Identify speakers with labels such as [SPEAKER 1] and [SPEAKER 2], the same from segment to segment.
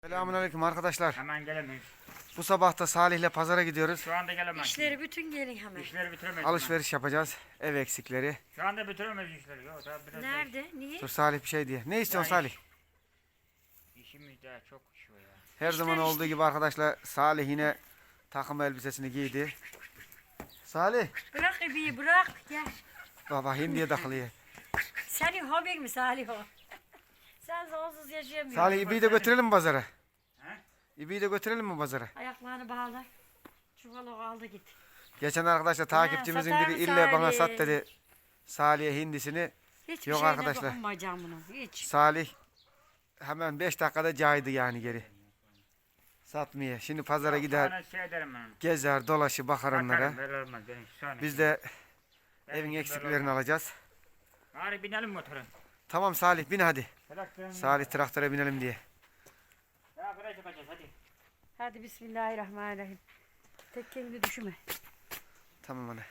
[SPEAKER 1] Selamünaleyküm arkadaşlar.
[SPEAKER 2] Hemen gelemeyiz.
[SPEAKER 1] Bu sabah da Salih'le pazara gidiyoruz.
[SPEAKER 2] Şu anda gelemeyiz.
[SPEAKER 3] İşleri bütün gelin hemen.
[SPEAKER 2] İşleri bitiremeyiz.
[SPEAKER 1] Alışveriş yapacağız. Ev eksikleri.
[SPEAKER 2] Şu anda bitiremeyiz işleri. Yok, daha biraz
[SPEAKER 3] Nerede? Niye?
[SPEAKER 1] Dur Salih bir şey diye. Ne istiyorsun Salih?
[SPEAKER 2] İşimiz daha çok iş var ya.
[SPEAKER 1] Her zaman olduğu gibi arkadaşlar Salih yine takım elbisesini giydi. Salih.
[SPEAKER 3] Bırak ibiyi bırak. Gel.
[SPEAKER 1] Baba hindiye takılıyor.
[SPEAKER 3] Senin hobin mi Salih o? Sen onsuz yaşayamıyorsun.
[SPEAKER 1] Salih ibiyi de götürelim mi pazara?
[SPEAKER 2] He?
[SPEAKER 1] İbiyi de götürelim mi pazara?
[SPEAKER 3] Ayaklarını bağla. Çuvalı aldı git.
[SPEAKER 1] Geçen arkadaşlar takipçimizin
[SPEAKER 3] satar
[SPEAKER 1] biri
[SPEAKER 3] mı
[SPEAKER 1] ille bana
[SPEAKER 3] Salih?
[SPEAKER 1] sat dedi. Salih'e hindisini.
[SPEAKER 3] Hiçbir
[SPEAKER 1] Yok
[SPEAKER 3] şeyine
[SPEAKER 1] arkadaşlar.
[SPEAKER 3] dokunmayacağım bunu. Hiç.
[SPEAKER 1] Salih hemen 5 dakikada caydı yani geri. Satmaya. Şimdi pazara gider,
[SPEAKER 2] Sonra şey ederim ben.
[SPEAKER 1] gezer, dolaşır, bakar onlara.
[SPEAKER 2] Bakarım, böyle olmaz benim şu an.
[SPEAKER 1] Biz de
[SPEAKER 2] Benim
[SPEAKER 1] evin
[SPEAKER 2] böyle
[SPEAKER 1] eksiklerini
[SPEAKER 2] olmaz.
[SPEAKER 1] alacağız.
[SPEAKER 2] Hadi binelim motora.
[SPEAKER 1] Tamam Salih bin hadi.
[SPEAKER 2] Traktörün.
[SPEAKER 1] Salih traktöre binelim diye.
[SPEAKER 2] Ya buraya çıkacağız hadi.
[SPEAKER 3] Hadi bismillahirrahmanirrahim. Tek kendini düşünme.
[SPEAKER 1] Tamam ana.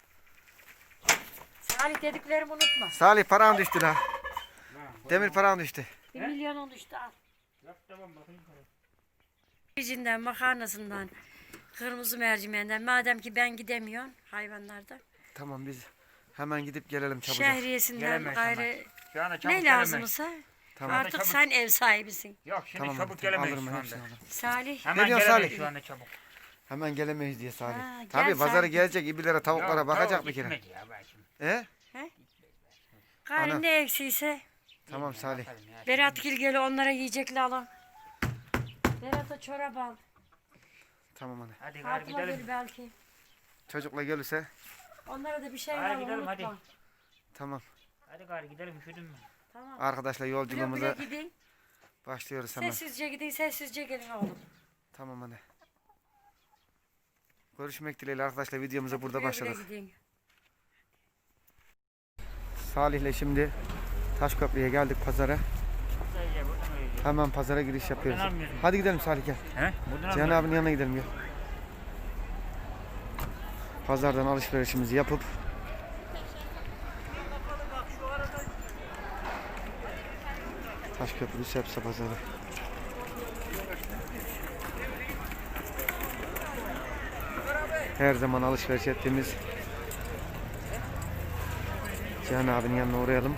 [SPEAKER 3] Salih dediklerimi unutma.
[SPEAKER 1] Salih paran düştü la. Demir paran düştü.
[SPEAKER 3] 1 milyon oldu işte al.
[SPEAKER 2] Yap tamam bakayım.
[SPEAKER 3] Pirincinden, makarnasından, kırmızı mercimeğinden. Madem ki ben gidemiyorum hayvanlarda.
[SPEAKER 1] Tamam biz hemen gidip gelelim çabucak.
[SPEAKER 3] Şehriyesinden
[SPEAKER 2] Gelemeyiz
[SPEAKER 3] gayrı
[SPEAKER 2] Şu anda çabuk
[SPEAKER 3] ne
[SPEAKER 2] gelemeyiz.
[SPEAKER 3] lazımsa
[SPEAKER 1] Tamam.
[SPEAKER 3] artık
[SPEAKER 2] Çabuk.
[SPEAKER 3] sen ev sahibisin.
[SPEAKER 2] Yok şimdi
[SPEAKER 1] Tamam
[SPEAKER 2] çabuk
[SPEAKER 1] hadi,
[SPEAKER 2] gelemeyiz
[SPEAKER 1] alırım
[SPEAKER 2] şu
[SPEAKER 1] ben
[SPEAKER 2] anda.
[SPEAKER 1] hepsini alırım.
[SPEAKER 3] Salih.
[SPEAKER 2] Hemen
[SPEAKER 1] diyorsun
[SPEAKER 2] gelemeyiz
[SPEAKER 1] Salih?
[SPEAKER 2] şu anda çabuk.
[SPEAKER 1] Hemen gelemeyiz diye Salih.
[SPEAKER 3] Ha, gel
[SPEAKER 1] Tabii pazara
[SPEAKER 3] Salih.
[SPEAKER 1] gelecek ibilere tavuklara
[SPEAKER 2] Yok,
[SPEAKER 1] bakacak
[SPEAKER 2] tamam,
[SPEAKER 1] bir kere.
[SPEAKER 2] gitmedi ya ben şimdi.
[SPEAKER 3] Gayrı
[SPEAKER 1] Ana.
[SPEAKER 3] ne eksiyse
[SPEAKER 1] Tamam Salih.
[SPEAKER 2] Bakalım ya.
[SPEAKER 3] Berat Gilgeli onlara yiyecekli alın. Berat'a çorap al.
[SPEAKER 1] Tamam ana.
[SPEAKER 2] Hadi gari
[SPEAKER 3] Fatıma
[SPEAKER 2] gidelim.
[SPEAKER 3] gül belki.
[SPEAKER 1] Çocukla gelirse
[SPEAKER 3] Onlara da bir şey
[SPEAKER 2] Hadi
[SPEAKER 3] al
[SPEAKER 2] gidelim,
[SPEAKER 3] unutma.
[SPEAKER 2] hadi.
[SPEAKER 1] tamam.
[SPEAKER 2] Hadi gari gidelim üşüdün mü?
[SPEAKER 3] Tamam.
[SPEAKER 1] Arkadaşlar
[SPEAKER 3] Güle
[SPEAKER 1] yolculuğumuza
[SPEAKER 3] güle gidin.
[SPEAKER 1] başlıyoruz hemen.
[SPEAKER 3] Sessizce gidin, sessizce gelin oğlum.
[SPEAKER 1] Tamam ana. Görüşmek dileğiyle arkadaşlar videomuza burada
[SPEAKER 3] Güle güle
[SPEAKER 1] başladık.
[SPEAKER 3] gidin.
[SPEAKER 1] Salih'le şimdi Taşköprü'ye geldik pazara.
[SPEAKER 2] Sayıca buradan öyle.
[SPEAKER 1] Hemen pazara giriş yapıyoruz.
[SPEAKER 2] Buradan almıyorsun.
[SPEAKER 1] Hadi gidelim Salih gel.
[SPEAKER 2] He? Buradan
[SPEAKER 1] Cihan
[SPEAKER 2] almıyorsun.
[SPEAKER 1] abinin yanına gidelim gel. Pazardan alışverişimizi yapıp Taşköprü Sepsa Pazarı. Her zaman alışveriş ettiğimiz Cihan abinin yanına uğrayalım.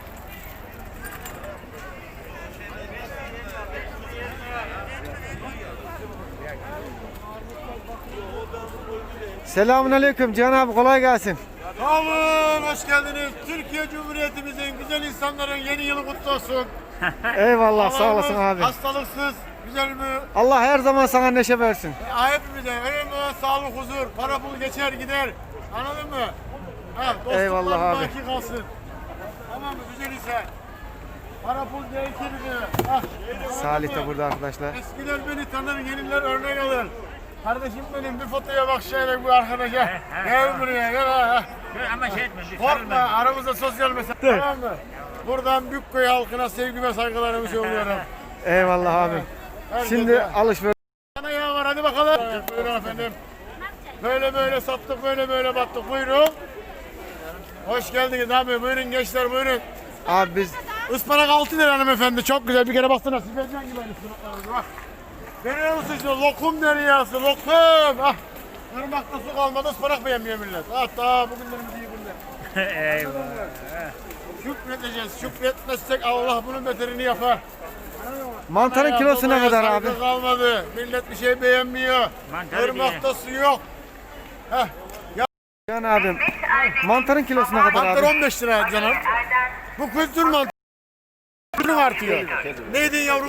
[SPEAKER 1] Selamünaleyküm Cihan abi kolay gelsin.
[SPEAKER 4] Sağ olun, hoş geldiniz. Türkiye Cumhuriyetimizin güzel insanların yeni yılı kutlu olsun.
[SPEAKER 1] Eyvallah sağ olasın
[SPEAKER 4] Allah'ımız
[SPEAKER 1] abi.
[SPEAKER 4] hastalıksız, güzel mi?
[SPEAKER 1] Allah her zaman sana neşe versin.
[SPEAKER 4] Hepimize önemli olan sağlık, huzur, para pul geçer gider. Anladın mı? Ha, dostluklar
[SPEAKER 1] Eyvallah abi.
[SPEAKER 4] baki kalsın. Tamam mı? Güzel ise. Para pul değişir mi? Ah,
[SPEAKER 1] Salih
[SPEAKER 4] anladın
[SPEAKER 1] de
[SPEAKER 4] mı?
[SPEAKER 1] burada arkadaşlar.
[SPEAKER 4] Eskiler beni tanır, yeniler örnek alır. Kardeşim benim bir fotoya bak şöyle bu arkadaşa. Gel buraya gel ha.
[SPEAKER 2] Ama şey etme. bir
[SPEAKER 4] Korkma,
[SPEAKER 2] sarılma.
[SPEAKER 4] aramızda sosyal mesafe, tamam mı? Buradan Büyükköy halkına sevgi ve saygılarımı söylüyorum.
[SPEAKER 1] Eyvallah abi.
[SPEAKER 4] Herkese.
[SPEAKER 1] Şimdi alışveriş.
[SPEAKER 4] Sana yağ var, hadi bakalım. Buyurun efendim. Böyle böyle sattık, böyle böyle battık. Buyurun. Hoş geldiniz abi. Buyurun gençler, buyurun.
[SPEAKER 1] Abi biz
[SPEAKER 4] Ispanak 6 lira hanımefendi. Çok güzel. Bir kere baksana. Sifetcan gibi ıspanaklarımız. Bak. Görüyor musun işte? Lokum deryası, lokum. Ah. Irmakta su kalmadı, ıspanak beğenmiyor millet. Hatta bugünlerimiz iyi günler.
[SPEAKER 2] Eyvah.
[SPEAKER 4] Şükredeceğiz. Şükretmezsek Allah bunun beterini yapar.
[SPEAKER 1] mantarın kilosu ne kadar abi?
[SPEAKER 4] Saygı kalmadı. Millet bir şey beğenmiyor.
[SPEAKER 2] Mantarı
[SPEAKER 4] Irmakta su yok. Heh.
[SPEAKER 1] Cihan abim mantarın kilosu ne kadar
[SPEAKER 4] Mantar
[SPEAKER 1] abi?
[SPEAKER 4] 15 lira canım. Bu kültür mantarı. Kültürün artıyor. Neydi yavrum?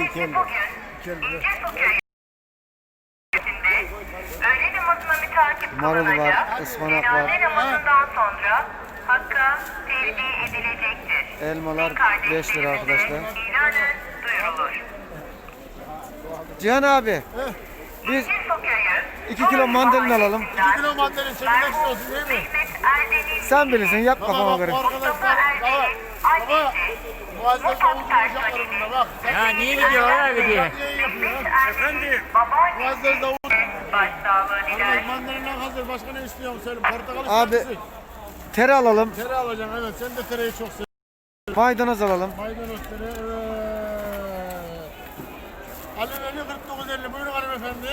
[SPEAKER 5] Öğle namazına mütakip
[SPEAKER 1] Marul var,
[SPEAKER 5] kılınacak.
[SPEAKER 1] ıspanak
[SPEAKER 5] Cenaze
[SPEAKER 1] var.
[SPEAKER 5] namazından sonra Hakk'a tevdi edilecektir.
[SPEAKER 1] Elmalar
[SPEAKER 5] Kardeşlerimize
[SPEAKER 1] 5 lira arkadaşlar.
[SPEAKER 5] İlanı duyurulur.
[SPEAKER 1] Cihan abi biz
[SPEAKER 5] Bir sokayı
[SPEAKER 1] 2 kilo mandalina alalım.
[SPEAKER 4] 2 kilo mandalin çekirdek olsun değil mi?
[SPEAKER 5] Mehmet Erden'in
[SPEAKER 1] Sen bilirsin yap
[SPEAKER 4] Baba
[SPEAKER 1] kafama
[SPEAKER 4] bak
[SPEAKER 1] göre.
[SPEAKER 4] bu arkadaşlar. Baba. Baba. Bu arkadaşlar konuşacaklar bunda bak.
[SPEAKER 2] Ya niye gidiyor abi diye.
[SPEAKER 4] Niye yapıyor?
[SPEAKER 5] Efendim.
[SPEAKER 4] Bu
[SPEAKER 5] Babaanne
[SPEAKER 4] arkadaşlar davul.
[SPEAKER 5] başsağlığı diler.
[SPEAKER 4] Mandalina hazır. Başka ne istiyorsun söyle. Portakal
[SPEAKER 1] Abi.
[SPEAKER 4] ister misin?
[SPEAKER 1] Tere alalım.
[SPEAKER 4] Tere alacağım evet. Sen de tereyi çok seviyorsun.
[SPEAKER 1] Maydanoz alalım.
[SPEAKER 4] Maydanoz tere evet. Aleveli 49.50. Buyurun hanımefendi.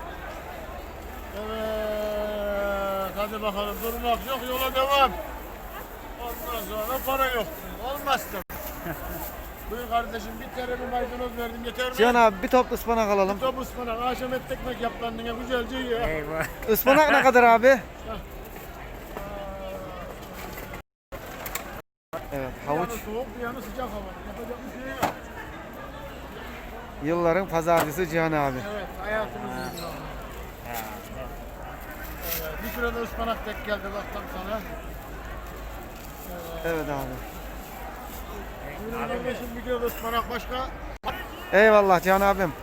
[SPEAKER 4] Evet. Hadi bakalım. Durmak yok. Yola devam. Ondan sonra para yok. Olmaz tabii. Buyur kardeşim. Bir kere bir maydanoz verdim. Yeter mi?
[SPEAKER 1] Cihan abi bir top ıspanak alalım.
[SPEAKER 4] Top ıspanak. Akşam et ekmek yap kendine. Güzelce ye.
[SPEAKER 2] Eyvah.
[SPEAKER 1] Ispanak ne kadar abi? Evet,
[SPEAKER 4] Bir
[SPEAKER 1] havuç.
[SPEAKER 4] yanı soğuk, bir yanı sıcak hava. Yapacak bir şey yok.
[SPEAKER 1] Yılların pazarcısı Cihan abi.
[SPEAKER 4] Evet, hayatımız iyi. Evet, bir kilo da ıspanak tek geldi bak tam sana.
[SPEAKER 1] Evet abi.
[SPEAKER 4] Buyurun kardeşim, bir kilo da ıspanak başka.
[SPEAKER 1] Eyvallah Cihan abim.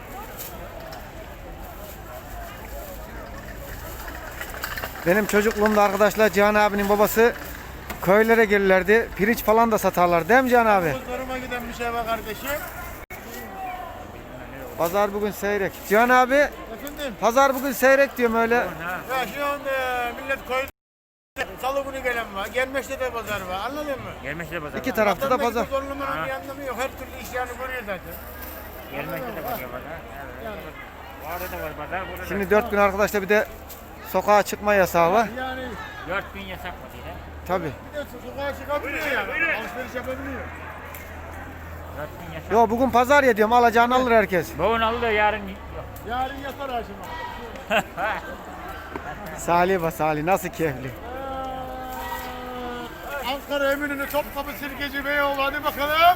[SPEAKER 1] Benim çocukluğumda arkadaşlar Cihan abinin babası köylere gelirlerdi. Pirinç falan da satarlar değil mi Cihan abi?
[SPEAKER 4] Zoruma giden bir şey var kardeşim.
[SPEAKER 1] Pazar bugün seyrek. Cihan abi
[SPEAKER 4] Efendim,
[SPEAKER 1] pazar bugün seyrek diyorum öyle.
[SPEAKER 4] ya şu anda millet köyde salı günü gelen var. Gelmeşte de pazar var, anladın mı?
[SPEAKER 2] Gelmeşte de pazar.
[SPEAKER 1] İki tarafta da pazar.
[SPEAKER 4] Zorlamanın bir anlamı yok. Her türlü iş yani görüyor zaten.
[SPEAKER 2] Gelmeşte de pazar. Evet. Orada da var pazar. Burada
[SPEAKER 1] Şimdi
[SPEAKER 2] da.
[SPEAKER 1] 4 gün arkadaşlar bir de sokağa çıkma yasağı var.
[SPEAKER 4] Yani
[SPEAKER 2] 4000 yasak mı diye.
[SPEAKER 1] Tabi.
[SPEAKER 4] bir de sokağa çıkabiliyor yani. Alışveriş yapabiliyor.
[SPEAKER 2] 4000 yasak.
[SPEAKER 1] Yo bugün pazar ya diyorum alacağını alır herkes.
[SPEAKER 2] Bugün aldı yarın yok.
[SPEAKER 4] Yarın yatar Haşim abi.
[SPEAKER 1] Salih be Salih nasıl keyifli.
[SPEAKER 4] Ankara Eminönü Topkapı Sirkeci Beyoğlu hadi bakalım.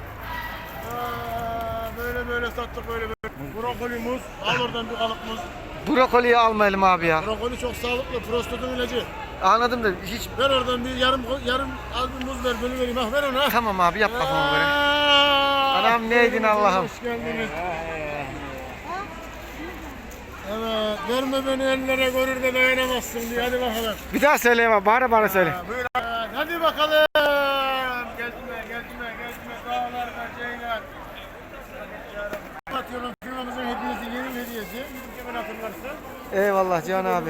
[SPEAKER 4] Böyle böyle sattık böyle böyle. Brokoli muz. Al oradan bir kalıp muz.
[SPEAKER 1] Brokoliyi almayalım abi ya.
[SPEAKER 4] Brokoli çok sağlıklı. Prostatın ilacı.
[SPEAKER 1] Anladım da hiç.
[SPEAKER 4] Ver oradan bir yarım az bir muz ver bölü vereyim. Ah ver onu. Ha.
[SPEAKER 1] Tamam abi yap kafama göre. Anam neydin Allah'ım.
[SPEAKER 4] Hoş geldiniz. Evet. Verme beni ellere görür de dayanamazsın diye. Hadi bakalım.
[SPEAKER 1] Bir daha söyle bak bağıra bağıra söyle.
[SPEAKER 4] Buyur. Hadi bakalım. Gezme. Dağlardan şeyler. Atıyorum firmamızın hediyesi, yeni hediyesi. Gidip hemen hatırlarsın.
[SPEAKER 1] Eyvallah Cihan abi.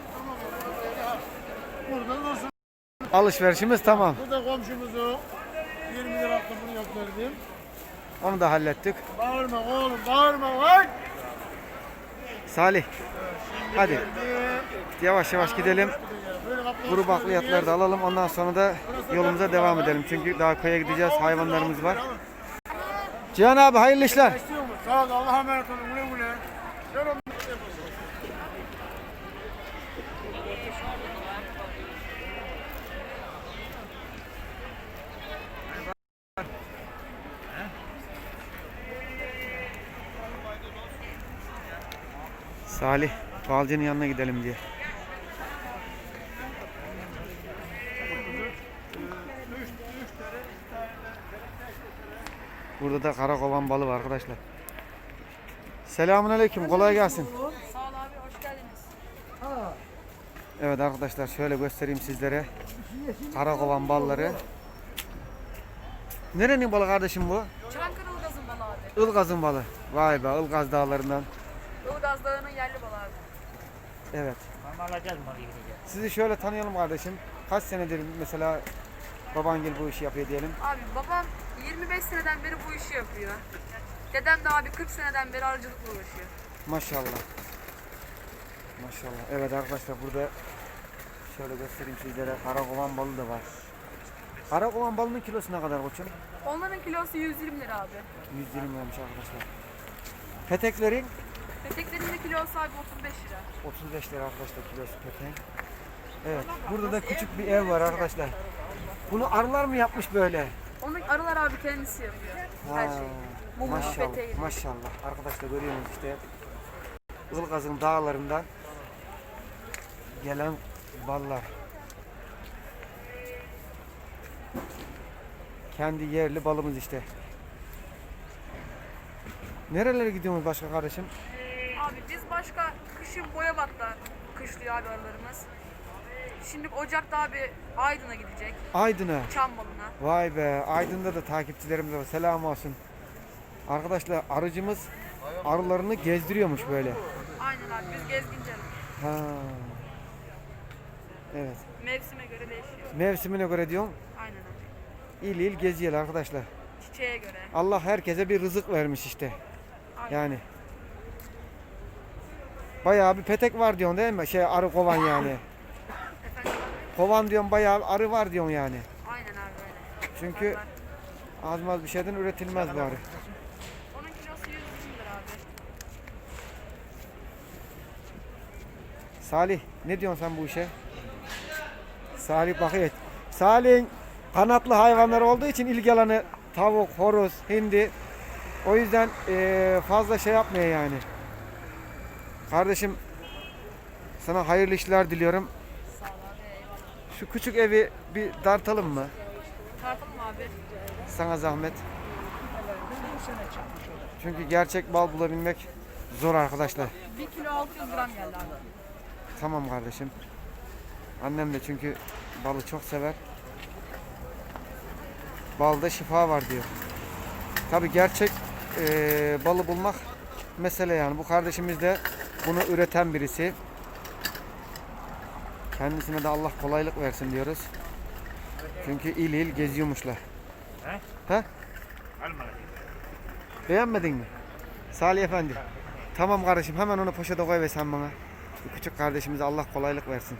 [SPEAKER 4] Burada dursun.
[SPEAKER 1] Alışverişimiz tamam.
[SPEAKER 4] Bu da komşumuzu 20 lira bunu yok verdim.
[SPEAKER 1] Onu da hallettik.
[SPEAKER 4] Bağırma oğlum, bağırma lan.
[SPEAKER 1] Salih. Hadi yavaş yavaş gidelim. Kuru bakliyatları da alalım. Ondan sonra da yolumuza devam edelim. Çünkü daha köye gideceğiz. Hayvanlarımız var. Cihan abi hayırlı işler.
[SPEAKER 4] Sağ ol, Allah'a emanet olun. Güle güle. Selam.
[SPEAKER 1] Salih balcının yanına gidelim diye. Burada da karakovan balı var arkadaşlar. Selamünaleyküm. Kolay gelsin.
[SPEAKER 3] Sağ ol abi, hoş geldiniz.
[SPEAKER 1] Evet arkadaşlar şöyle göstereyim sizlere. Karakovan balları. Nerenin balı kardeşim bu?
[SPEAKER 3] Çankırı Ilgaz'ın balı abi.
[SPEAKER 1] Ilgaz'ın balı. Vay be Ilgaz dağlarından.
[SPEAKER 3] Ilgaz Dağı'nın yerli balı abi.
[SPEAKER 1] Evet.
[SPEAKER 2] Ama alacağız mı gideceğiz.
[SPEAKER 1] Sizi şöyle tanıyalım kardeşim. Kaç senedir mesela babangil bu işi yapıyor diyelim.
[SPEAKER 6] Abi babam 25 seneden beri bu işi yapıyor. Dedem de abi 40 seneden beri arıcılıkla uğraşıyor.
[SPEAKER 1] Maşallah. Maşallah. Evet arkadaşlar burada şöyle göstereyim sizlere. Karakovan balı da var. Karakovan balının kilosu ne kadar koçum?
[SPEAKER 6] Onların kilosu 120 lira abi.
[SPEAKER 1] 120 liraymış arkadaşlar. Peteklerin
[SPEAKER 6] Peteklerin de kilosu abi 35 lira.
[SPEAKER 1] 35 lira arkadaşlar kilosu petek. Evet. Burada da küçük bir ev var arkadaşlar. Bunu arılar mı yapmış böyle?
[SPEAKER 6] Onu arılar abi kendisi yapıyor. Her
[SPEAKER 1] Ha,
[SPEAKER 6] şeyi. Mumu,
[SPEAKER 1] maşallah.
[SPEAKER 6] peteği.
[SPEAKER 1] Maşallah. Arkadaşlar görüyorsunuz işte Ilgaz'ın dağlarından gelen ballar. Kendi yerli balımız işte. Nerelere gidiyorsunuz başka kardeşim?
[SPEAKER 6] Abi biz başka kışın Boyabat'ta kışlıyor abi arılarımız. Şimdi Ocak'ta abi Aydın'a gidecek.
[SPEAKER 1] Aydın'a.
[SPEAKER 6] Çambalı'na.
[SPEAKER 1] Vay be. Aydın'da da takipçilerimiz var. Selam olsun. Arkadaşlar arıcımız arılarını gezdiriyormuş böyle.
[SPEAKER 6] Aynen abi biz gezginci arı.
[SPEAKER 1] Ha. Evet.
[SPEAKER 6] Mevsime göre değişiyor.
[SPEAKER 1] Mevsimine göre diyorum.
[SPEAKER 6] Aynen abi.
[SPEAKER 1] İl il geziyorlar arkadaşlar.
[SPEAKER 6] Çiçeğe göre.
[SPEAKER 1] Allah herkese bir rızık vermiş işte.
[SPEAKER 6] Aynen.
[SPEAKER 1] Yani Bayağı bir petek var diyorsun değil mi? Şey arı kovan yani.
[SPEAKER 6] Efendim abi?
[SPEAKER 1] Kovan diyorsun bayağı arı var diyorsun yani.
[SPEAKER 6] Aynen abi öyle.
[SPEAKER 1] Çünkü azmaz bir şeyden üretilmez bu arı.
[SPEAKER 6] Onun kilosu 100 lira abi.
[SPEAKER 1] Salih ne diyorsun sen bu işe? Salih bakıyor. Salih'in kanatlı hayvanlar olduğu için ilgi alanı tavuk, horoz, hindi. O yüzden fazla şey yapmıyor yani. Kardeşim sana hayırlı işler diliyorum.
[SPEAKER 6] Sağ ol abi eyvallah.
[SPEAKER 1] Şu küçük evi bir dartalım mı?
[SPEAKER 6] Tartalım abi.
[SPEAKER 1] Sana zahmet. Çünkü gerçek bal bulabilmek zor arkadaşlar.
[SPEAKER 6] 1 kilo 600 gram geldi abi.
[SPEAKER 1] Tamam kardeşim. Annem de çünkü balı çok sever. Balda şifa var diyor. Tabi gerçek balı bulmak mesele yani. Bu kardeşimiz de bunu üreten birisi. Kendisine de Allah kolaylık versin diyoruz. Çünkü il il geziyormuşlar.
[SPEAKER 2] He?
[SPEAKER 1] He?
[SPEAKER 2] Alma.
[SPEAKER 1] Beğenmedin mi? Salih Efendi. Tamam kardeşim hemen onu poşete koy ve sen bana. Bu küçük kardeşimize Allah kolaylık versin.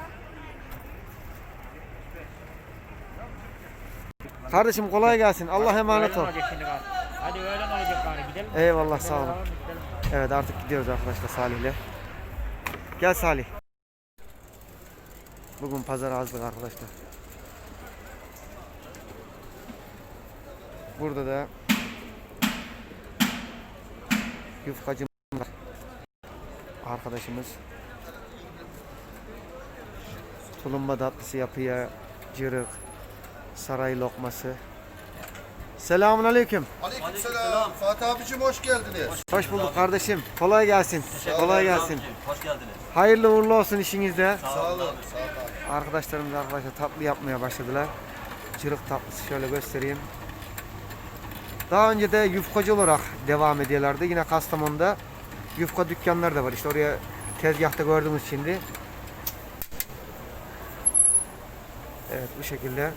[SPEAKER 1] Kardeşim kolay gelsin. Allah emanet ol.
[SPEAKER 2] Öğlen olacak şimdi bak. Hadi öğlen olacak bari gidelim.
[SPEAKER 1] Eyvallah sağ olun.
[SPEAKER 2] Gidelim.
[SPEAKER 1] Evet artık gidiyoruz arkadaşlar Salih'le. Gel Salih. Bugün pazar azlık arkadaşlar. Burada da yufkacı var. Arkadaşımız tulumba tatlısı yapıyor. Cırık, saray lokması. Selamun aleyküm.
[SPEAKER 7] Aleykümselam. Fatih abicim hoş geldiniz.
[SPEAKER 1] Hoş bulduk kardeşim. Kolay gelsin. Kolay gelsin.
[SPEAKER 7] Hoş geldiniz.
[SPEAKER 1] Hayırlı uğurlu olsun işinizde.
[SPEAKER 7] Sağ olun. Sağ olun abi.
[SPEAKER 1] Arkadaşlarımız tatlı yapmaya başladılar. Cırık tatlısı şöyle göstereyim. Daha önce de yufkacı olarak devam ediyorlardı. Yine Kastamonu'da yufka dükkanları da var. İşte oraya tezgahta gördüğümüz şimdi. Evet bu şekilde.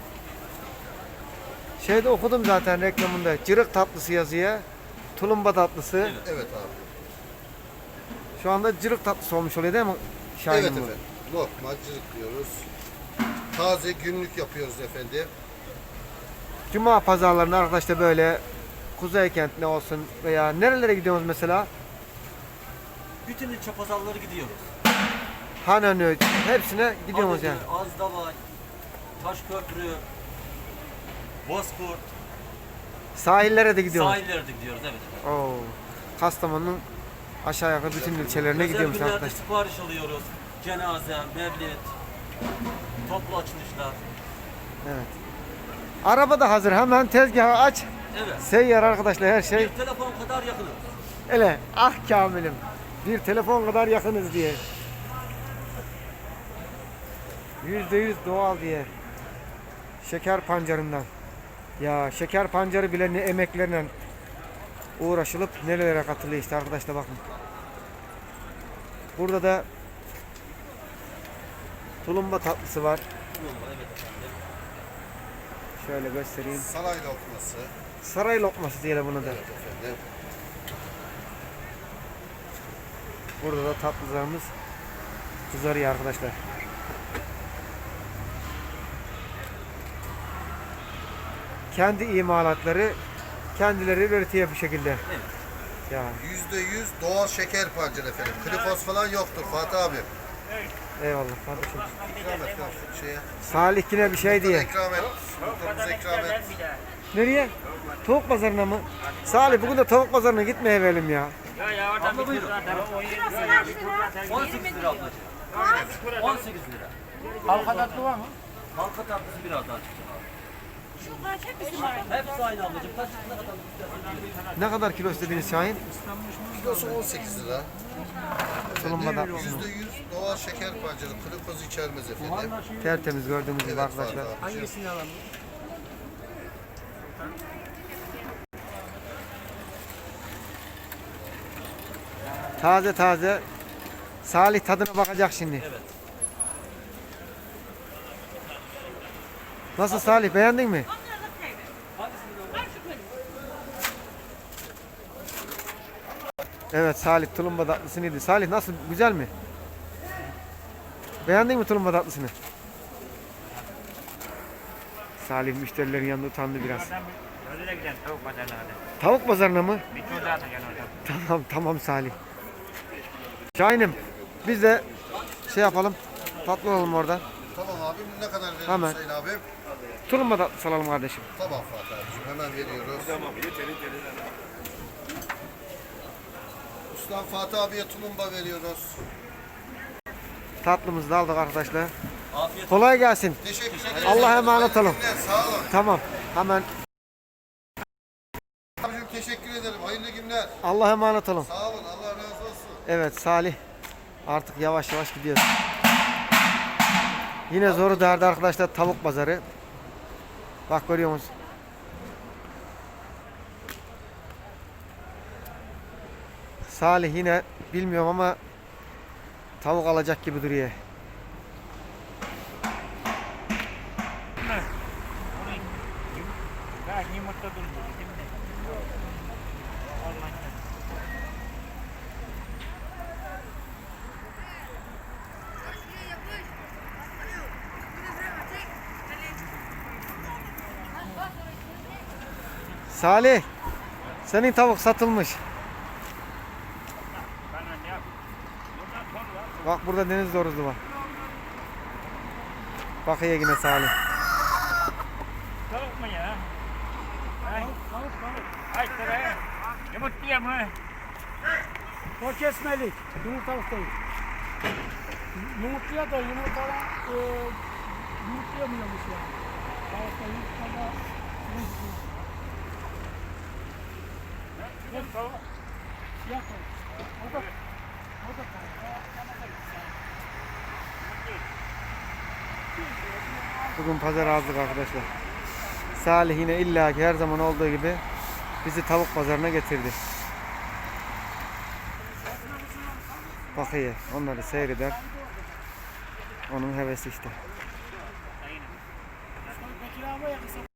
[SPEAKER 1] Şeyde okudum zaten reklamında. Cırık tatlısı yazıyor. Tulumba tatlısı.
[SPEAKER 7] Evet abi.
[SPEAKER 1] Şu anda cırık tatlısı olmuş oluyor değil mi? Şahin
[SPEAKER 7] Evet
[SPEAKER 1] bu?
[SPEAKER 7] efendim. Lokmacılık diyoruz. Taze günlük yapıyoruz efendim.
[SPEAKER 1] Cuma pazarlarında arkadaşlar böyle Kuzeykent ne olsun veya nerelere gidiyoruz mesela?
[SPEAKER 8] Bütün ilçe pazarları gidiyoruz.
[SPEAKER 1] Hanönü hepsine gidiyoruz yani.
[SPEAKER 8] Azdavay, Taşköprü, Bozkurt,
[SPEAKER 1] Sahillere de gidiyoruz.
[SPEAKER 8] sahillere de gidiyoruz evet.
[SPEAKER 1] Oo. Kastamonu'nun aşağı yukarı bütün ilçelerine
[SPEAKER 8] Özel
[SPEAKER 1] gidiyoruz
[SPEAKER 8] günlerde
[SPEAKER 1] arkadaşlar.
[SPEAKER 8] sipariş alıyoruz. Cenaze, mevlid, toplu açılışlar.
[SPEAKER 1] Evet. Araba da hazır. Hemen tezgahı aç.
[SPEAKER 8] Evet.
[SPEAKER 1] Seyyar arkadaşlar her şey.
[SPEAKER 8] Bir telefon kadar yakınız.
[SPEAKER 1] Ele ah Kamil'im. Bir telefon kadar yakınız diye. %100 doğal diye. Şeker pancarından. Ya şeker pancarı bile ne emeklerle uğraşılıp nelere katılıyor işte arkadaşlar bakın. Burada da tulumba tatlısı var. Şöyle göstereyim.
[SPEAKER 7] Saray lokması.
[SPEAKER 1] Saray lokması diyelim bunu da.
[SPEAKER 7] Evet efendim.
[SPEAKER 1] Burada da tatlılarımız kızarıyor arkadaşlar. Kendi imalatları kendileri üretiyor bu şekilde. Ya
[SPEAKER 7] %100 doğal şeker pancarı efendim. Glikoz falan yoktur Fatih abi.
[SPEAKER 1] eyvallah kardeşim.
[SPEAKER 7] İkram et lan şu şeye.
[SPEAKER 1] Salih yine bir şey diye.
[SPEAKER 7] İkram et. Muhtarımıza ikram et.
[SPEAKER 1] Nereye? Tavuk pazarına mı? Salih bugün de tavuk pazarına gitmeye verelim ya.
[SPEAKER 2] Ya oradan bir tur zaten. O yeri zaten.
[SPEAKER 8] 18 lira ablacığım. 18 lira.
[SPEAKER 2] Halka tatlı var mı?
[SPEAKER 8] Halka tatlısı biraz daha çıkacak abi.
[SPEAKER 3] Şunlar hep bizim var.
[SPEAKER 8] Hepsi aynı ablacığım. Kaç ne kadar istersen.
[SPEAKER 1] Ne kadar kilo istediniz Şahin?
[SPEAKER 7] Kilosu 18 lira.
[SPEAKER 1] Tulumba tatlısı.
[SPEAKER 7] %100 doğal şeker pancarı. Glikoz içermez efendim.
[SPEAKER 1] Tertemiz gördüğünüz gibi
[SPEAKER 7] Evet
[SPEAKER 1] arkadaşlar.
[SPEAKER 7] Fatih abicim.
[SPEAKER 2] alalım?
[SPEAKER 1] Taze taze. Salih tadına bakacak şimdi.
[SPEAKER 8] Evet.
[SPEAKER 1] Nasıl Salih beğendin mi? Evet Salih tulumba tatlısını yedi. Salih nasıl? Güzel mi? Beğendin mi tulumba tatlısını? Salih müşterilerin yanında utandı biraz.
[SPEAKER 2] Oradan bir ödüle gidelim tavuk pazarına hadi.
[SPEAKER 1] Tavuk pazarına mı?
[SPEAKER 2] Bir tur daha atacaksın orada.
[SPEAKER 1] Tamam Salih. Şahin'im biz de şey yapalım. Tatlı olalım orada.
[SPEAKER 7] Tamam abim ne kadar verelim
[SPEAKER 1] Hemen.
[SPEAKER 7] Hüseyin abim?
[SPEAKER 1] Tulumba tatlısı alalım kardeşim.
[SPEAKER 7] Tamam Fatih abicim hemen veriyoruz. Tamam Ustam Fatih abiye tulumba veriyoruz.
[SPEAKER 1] Tatlımızı da aldık arkadaşlar.
[SPEAKER 8] Afiyet
[SPEAKER 1] Kolay gelsin.
[SPEAKER 7] Teşekkür ederim.
[SPEAKER 1] Allah'a emanet olun.
[SPEAKER 7] Hayırlı günler, sağ olun.
[SPEAKER 1] Tamam. Hemen
[SPEAKER 7] Abicim teşekkür ederim. Hayırlı günler.
[SPEAKER 1] Allah'a emanet olun.
[SPEAKER 7] Sağ olun. Allah razı olsun.
[SPEAKER 1] Evet Salih. Artık yavaş yavaş gidiyoruz. Yine zoru derdi arkadaşlar tavuk pazarı. Bak görüyor musun? Salih yine bilmiyorum ama tavuk alacak gibi duruyor.
[SPEAKER 2] Ya yumurta durmuyor değil mi? Olmaz.
[SPEAKER 1] Salih, senin tavuk satılmış.
[SPEAKER 2] Bana ne yap? Bundan sonra
[SPEAKER 1] Bak burada deniz doruzu var. Bak ya yine Salih.
[SPEAKER 2] tavuk mu ya? Tavuk. Kaç lira? Yumurtluya mı?
[SPEAKER 4] O kesmelik. Yumurtalık değil. Yumurtluya da yumurtadan yumurtlayamıyormuş yani. Tavukta yumurtada
[SPEAKER 2] Tavuk.
[SPEAKER 4] siyah tavuk. O da tavuk.
[SPEAKER 1] Bugün pazar azlık arkadaşlar. Salih yine illaki her zaman olduğu gibi bizi tavuk pazarına getirdi. Bak iyi, onları seyreder. Onun hevesi işte.